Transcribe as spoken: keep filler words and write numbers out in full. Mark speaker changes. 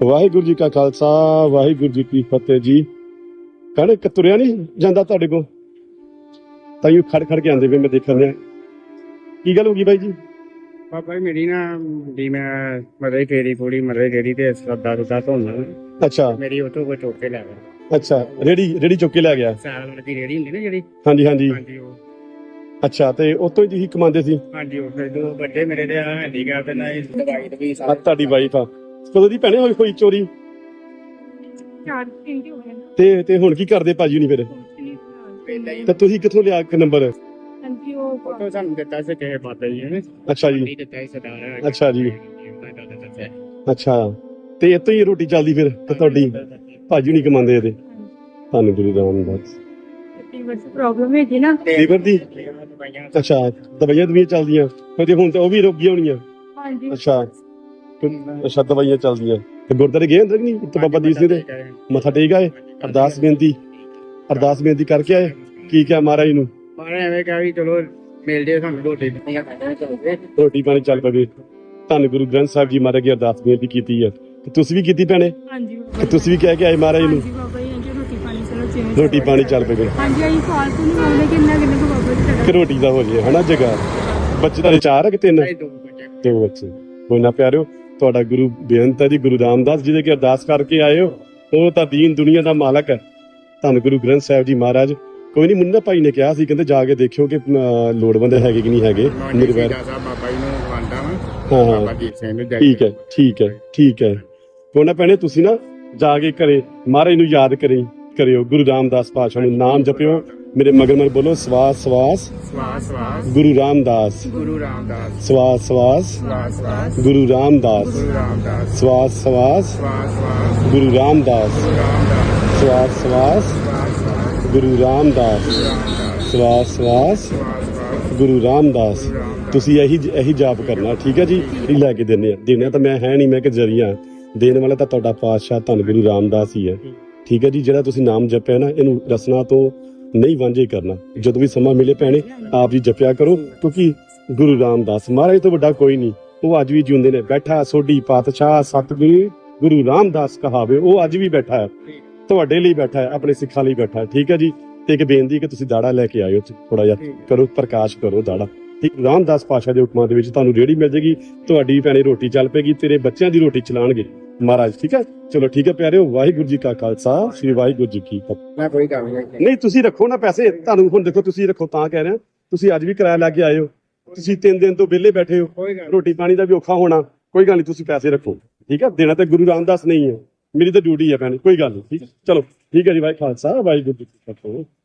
Speaker 1: ਵਾਹਿਗੁਰੂ ਜੀ ਕਾ ਖਾਲਸਾ ਵਾਹਿਗੁਰੂ ਜੀ ਕੀ ਫਤਿਹ ਜੀ। ਕਹਿੰਦੇ ਕਿ ਤੁਰਿਆ ਨਹੀਂ ਜਾਂਦਾ ਤੁਹਾਡੇ ਕੋਲ, ਤਾਈਓ ਖੜ ਖੜ ਕੇ ਆਂਦੇ ਵੇ ਮੈਂ ਦੇਖਣ ਦਿਆ। ਕੀ ਗੱਲ ਹੋ ਗਈ ਬਾਈ ਜੀ?
Speaker 2: ਬਾਬਾ ਜੀ ਮੇਰੀ ਨਾ ਵੀ ਮੈਂ ਮਰੇ ਫੇਰੀ ਪੂਰੀ ਮਰੇ ਜਿਹੜੀ ਤੇ ਸਰਦਾ ਸੁਦਾ ਧੋਣਾ।
Speaker 1: ਅੱਛਾ
Speaker 2: ਮੇਰੀ ਉਹ ਤੋਂ ਕੋਈ ਚੁੱਕ ਕੇ ਲੈ ਗਿਆ।
Speaker 1: ਅੱਛਾ, ਰੇੜੀ ਰੇੜੀ ਚੁੱਕ ਕੇ ਲੈ ਗਿਆ।
Speaker 2: ਸਾਲ ਵਾਲੀ ਦੀ ਰੇੜੀ ਹੁੰਦੀ ਨਾ ਜਿਹੜੀ।
Speaker 1: ਹਾਂਜੀ ਹਾਂਜੀ
Speaker 2: ਹਾਂਜੀ ਉਹ।
Speaker 1: ਅੱਛਾ, ਤੇ ਉਤੋਂ ਹੀ ਤੁਸੀਂ ਕਮਾਉਂਦੇ ਸੀ?
Speaker 2: ਹਾਂਜੀ ਉਹ ਫਿਰ ਦੋ ਵੱਡੇ ਮੇਰੇ ਤੇ ਹੈਂਡੀਕੈਪ ਤੇ ਨਾ ਇਹ ਦਵਾਈ ਤੇ ਵੀ
Speaker 1: ਆ
Speaker 2: ਸਾਰਾ
Speaker 1: ਤੁਹਾਡੀ ਵਾਈਫ ਆ ਕਦੋਂ ਦੀ ਭੈਣੇ ਹੋਈ ਹੋਈ ਚੋਰੀ?
Speaker 3: ਚਾਰ ਘੰਟੇ ਹੋ ਗਏ ਨਾ।
Speaker 1: ਤੇ ਤੇ ਹੁਣ ਕੀ ਕਰਦੇ ਭਾਜੀ ਨਹੀਂ ਫਿਰ?
Speaker 2: ਪਹਿਲਾਂ ਹੀ
Speaker 1: ਤੇ ਤੁਸੀਂ ਕਿੱਥੋਂ ਲਿਆ ਇੱਕ ਨੰਬਰ?
Speaker 3: ਹਾਂਜੀ ਉਹ
Speaker 2: ਫੋਟੋ ਸਾਨੂੰ ਦਿੱਤਾ ਸੀ ਕਿਸੇ ਬਾਬਾ ਜੀ ਨੇ।
Speaker 1: ਅੱਛਾ ਜੀ
Speaker 2: ਨਹੀਂ ਦਿੱਤਾ ਸੀ ਸਰਦਾਰ।
Speaker 1: ਅੱਛਾ ਜੀ।
Speaker 2: ਉਹਨਾਂ ਦਾ ਦੱਸਿਆ।
Speaker 1: ਅੱਛਾ, ਤੇ ਇੱਥੋਂ ਹੀ ਰੋਟੀ ਚੱਲਦੀ ਫਿਰ ਤੇ ਤੁਹਾਡੀ ਭਾਜੀ ਨਹੀਂ ਕਮਾਉਂਦੇ ਇਹਦੇ? ਤੁਹਾਨੂੰ ਗੁਰੂ ਰਾਮਦਾਸ
Speaker 3: ਲੀਵਰ ਦੀ ਪ੍ਰੋਬਲਮ ਹੈ ਜੀ ਨਾ।
Speaker 1: ਲੀਵਰ ਦੀ?
Speaker 2: ਦਵਾਈਆਂ
Speaker 1: ਅੱਛਾ, ਦਵਾਈਆਂ ਦਵਾਈਆਂ ਚੱਲਦੀਆਂ ਤੇ ਹੁਣ ਤਾਂ ਉਹ ਵੀ ਰੁਕ ਗਈਆਂ ਹੋਣੀਆਂ।
Speaker 3: ਹਾਂਜੀ
Speaker 1: ਅੱਛਾ ਅੱਛਾ, ਦਵਾਈਆਂ ਚੱਲਦੀਆਂ। ਤੇ ਗੁਰਦਾਰੇ ਗਏ ਅੰਦਰ ਨਹੀਂ ਤੇ ਬਾਬਾ ਦੀਪ ਸਿੰਘ ਦੇ ਮੱਥਾ ਟੇਕ ਆਏ? ਅਰਦਾਸ ਬੇਨਤੀ ਅਰਦਾਸ ਬੇਨਤੀ ਕਰਕੇ ਆਏ? ਕੀ ਕਿਹਾ ਮਹਾਰਾਜ ਨੂੰ?
Speaker 2: ਮਾਰੇ ਐਵੇਂ ਕਿਹਾ ਵੀ ਚਲੋ ਮਿਲ ਜੇ ਸਾਨੂੰ ਰੋਟੀ।
Speaker 1: ਰੋਟੀ ਪਾਣੀ ਚੱਲ ਪਵੇ। ਧੰਨ ਗੁਰੂ ਗ੍ਰੰਥ ਸਾਹਿਬ ਜੀ ਮਹਾਰਾਜ ਦੀ ਅਰਦਾਸ ਬੇਨਤੀ ਕੀਤੀ ਹੈ ਤੇ ਤੁਸੀਂ ਵੀ ਕੀਤੀ ਭੈਣੇ?
Speaker 3: ਹਾਂਜੀ
Speaker 1: ਤੇ ਤੁਸੀਂ ਵੀ ਕਹਿ ਕੇ ਆਏ ਮਹਾਰਾਜ ਨੂੰ
Speaker 3: ਹਾਂਜੀ ਬਾਬਾ ਜੀ ਹਾਂਜੀ ਰੋਟੀ ਪਾਣੀ ਚਲੋ ਚੇਂਜ
Speaker 1: ਰੋਟੀ ਪਾਣੀ ਚੱਲ ਪਵੇ
Speaker 3: ਹਾਂਜੀ ਅਸੀਂ ਫਾਲਤੂ ਨਹੀਂ ਆਉਂਦੇ ਕਿੰਨਾ ਕਿੰਨਾ ਕੁ ਬਾਬਾ ਜੀ ਸਾਡਾ।
Speaker 1: ਕਿ ਰੋਟੀ ਦਾ ਹੋ ਜੇ ਹਨਾ ਜਗਾ। ਬੱਚੇ ਤੁਹਾਡੇ ਚਾਰ ਆ ਕਿ ਤਿੰਨ?
Speaker 2: ਦੋ ਬੱਚੇ।
Speaker 1: ਦੋ ਬੱਚੇ। ਕੋਈ ਨਾ ਪਿਆਰਿਓ, ਤੁਹਾਡਾ ਗੁਰੂ ਬੇਅੰਤ ਹੈ ਜੀ, ਗੁਰੂ ਰਾਮਦਾਸ ਜਿਹਦੇ ਕਿ ਅਰਦਾਸ ਕਰਕੇ ਆਏ ਹੋ, ਉਹ ਤਾਂ ਦੀਨ ਦੁਨੀਆ ਦਾ ਮਾਲਕ ਹੈ। ਧੰਨ ਗੁਰੂ ਗ੍ਰੰਥ ਸਾਹਿਬ ਜੀ ਮਹਾਰਾਜ। ਕੋਈ ਨਹੀਂ, ਮੁੰਡਾ ਭਾਈ ਨੇ ਕਿਹਾ ਸੀ ਕਹਿੰਦੇ ਜਾ ਕੇ ਦੇਖਿਓ ਕਿ ਅਹ, ਲੋੜਵੰਦ ਹੈਗੇ ਕਿ ਨਹੀਂ ਹੈਗੇ ਨਿਰਵੈਰ।
Speaker 2: ਬਾਬਾ ਜੀ ਨੂੰ ਮੰਨਦਾ ਵਾਂ।
Speaker 1: ਹਾਂ ਹਾਂ
Speaker 2: ਬਾਬਾ ਦੀਪ ਸਿੰਘ ਨੂੰ ਜਾਈ
Speaker 1: ਠੀਕ ਹੈ ਠੀਕ ਹੈ ਠੀਕ ਹੈ। ਕੋਈ ਨਾ ਭੈਣੇ, ਤੁਸੀਂ ਨਾ ਜਾ ਕੇ ਘਰੇ ਮਹਾਰਾਜ ਨੂੰ ਯਾਦ ਕਰੇ ਕਰਿਓ, ਗੁਰੂ ਰਾਮਦਾਸ ਪਾਤਸ਼ਾਹ ਨੂੰ ਨਾਮ ਜਪਿਓ। ਮੇਰੇ ਮਗਰ ਮਗਰ ਬੋਲੋ ਸਵਾਸ ਸਵਾਸ
Speaker 2: ਸਵਾਸ ਸਵਾਸ
Speaker 1: ਗੁਰੂ ਰਾਮਦਾਸ,
Speaker 2: ਗੁਰੂ ਰਾਮਦਾਸ,
Speaker 1: ਸਵਾਸ ਸਵਾਸ
Speaker 2: ਸਵਾਸ ਸਵਾਸ
Speaker 1: ਗੁਰੂ ਰਾਮਦਾਸ,
Speaker 2: ਗੁਰੂ ਰਾਮਦਾਸ,
Speaker 1: ਸਵਾਸ ਸਵਾਸ
Speaker 2: ਸਵਾਸ ਸਵਾਸ
Speaker 1: ਗੁਰੂ ਰਾਮਦਾਸ,
Speaker 2: ਗੁਰੂ ਰਾਮਦਾਸ,
Speaker 1: ਸਵਾਸ ਸਵਾਸ
Speaker 2: ਸਵਾਸ ਸਵਾਸ
Speaker 1: ਗੁਰੂ ਰਾਮਦਾਸ, ਸਵਾਸ ਸਵਾਸ
Speaker 2: ਸਵਾਸ ਸਵਾਸ
Speaker 1: ਗੁਰੂ ਰਾਮਦਾਸ। ਤੁਸੀਂ ਇਹੀ ਇਹੀ ਜਾਪ ਕਰਨਾ, ਠੀਕ ਹੈ ਜੀ? ਇਹ ਲੈ ਕੇ ਦਿੰਦੇ ਆ ਦੇਣੇ ਤਾਂ ਮੈਂ ਹੈ ਨਹੀਂ, ਮੈਂ ਕਿ ਜਰੀਆ ਦੇਣ ਵਾਲਾ ਤਾਂ ਤੁਹਾਡਾ ਪਾਤਸ਼ਾਹ ਧੰਨ ਗੁਰੂ ਰਾਮਦਾਸ ਹੀ ਹੈ, ਠੀਕ ਹੈ ਜੀ? ਜਿਹੜਾ ਤੁਸੀਂ ਨਾਮ ਜਪਿਆ ਨਾ, ਇਹਨੂੰ ਰਸਨਾ ਤੋਂ ਨਹੀਂ ਵਾਂਝੇ ਕਰਨਾ। ਜਦੋਂ ਵੀ ਸਮਾਂ ਮਿਲੇ ਭੈਣੇ ਆਪ ਜੀ ਜਪਿਆ ਕਰੋ, ਕਿਉਂਕਿ ਗੁਰੂ ਰਾਮਦਾਸ ਮਹਾਰਾਜ ਤੋਂ ਵੱਡਾ ਕੋਈ ਨਹੀਂ। ਉਹ ਅੱਜ ਵੀ ਜਿਉਂਦੇ ਨੇ। ਬੈਠਾ ਸੋਢੀ ਪਾਤਸ਼ਾਹ ਸਤਿਗੁਰੂ ਗੁਰੂ ਰਾਮਦਾਸ ਕਹਾਵੇ, ਉਹ ਅੱਜ ਵੀ ਬੈਠਾ ਹੈ, ਤੁਹਾਡੇ ਲਈ ਬੈਠਾ ਹੈ, ਆਪਣੇ ਸਿੱਖਾਂ ਲਈ ਬੈਠਾ ਹੈ, ਠੀਕ ਹੈ ਜੀ? ਤੇ ਇੱਕ ਬੇਨਤੀ ਕਿ ਤੁਸੀਂ ਦਾੜਾ ਲੈ ਕੇ ਆਇਓ, ਥੋੜਾ ਜਿਹਾ ਕਰੋ, ਪ੍ਰਕਾਸ਼ ਕਰੋ ਦਾੜਾ। ਠੀਕ, ਰਾਮਦਾਸ ਪਾਤਸ਼ਾਹ ਦੇ ਹੁਕਮਾਂ ਦੇ ਵਿੱਚ ਤੁਹਾਨੂੰ ਰੇੜੀ ਮਿਲ ਜੇਗੀ, ਤੁਹਾਡੀ ਭੈਣੇ ਰੋਟੀ ਚੱਲ ਪਏਗੀ, ਤੇਰੇ ਬੱਚਿਆਂ ਦੀ ਰੋਟੀ ਚਲਾਣਗੇ ਮਹਾਰਾਜ, ਠੀਕ ਹੈ? ਚਲੋ ਠੀਕ ਹੈ ਪਿਆਰਿਓ, ਵਾਹਿਗੁਰੂ ਜੀ ਕਾ ਖਾਲਸਾ ਸ੍ਰੀ ਵਾਹਿਗੁਰੂ ਜੀ ਕੀ ਫਤਿਹ।
Speaker 2: ਮੈਂ ਕੋਈ ਕੰਮ ਨਹੀਂ।
Speaker 1: ਨਹੀਂ ਤੁਸੀਂ ਰੱਖੋ ਨਾ ਪੈਸੇ, ਤੁਹਾਨੂੰ ਹੁਣ ਦੇਖੋ ਤੁਸੀਂ ਰੱਖੋ, ਤਾਂ ਕਹਿ ਰਿਹਾ ਤੁਸੀਂ ਅੱਜ ਵੀ ਕਿਰਾਇਆ ਲੈ ਕੇ ਆਏ ਹੋ, ਤੁਸੀਂ ਤਿੰਨ ਦਿਨ ਤੋਂ ਵਿਹਲੇ ਬੈਠੇ ਹੋ,
Speaker 2: ਕੋਈ ਗੱਲ
Speaker 1: ਰੋਟੀ ਪਾਣੀ ਦਾ ਵੀ ਔਖਾ ਹੋਣਾ, ਕੋਈ ਗੱਲ ਨਹੀਂ, ਤੁਸੀਂ ਪੈਸੇ ਰੱਖੋ, ਠੀਕ ਹੈ? ਦੇਣਾ ਤਾਂ ਗੁਰੂ ਰਾਮਦਾਸ ਨਹੀਂ ਹੈ, ਮੇਰੀ ਤਾਂ ਡਿਊਟੀ ਹੈ ਭੈਣੇ, ਕੋਈ ਗੱਲ ਨਹੀਂ, ਠੀਕ ਹੈ? ਚਲੋ ਠੀਕ ਹੈ ਜੀ, ਵਾਹਿ ਖਾਲਸਾ ਵਾਹਿਗੁਰੂ ਜੀ ਕੀ ਫਤਿਹ।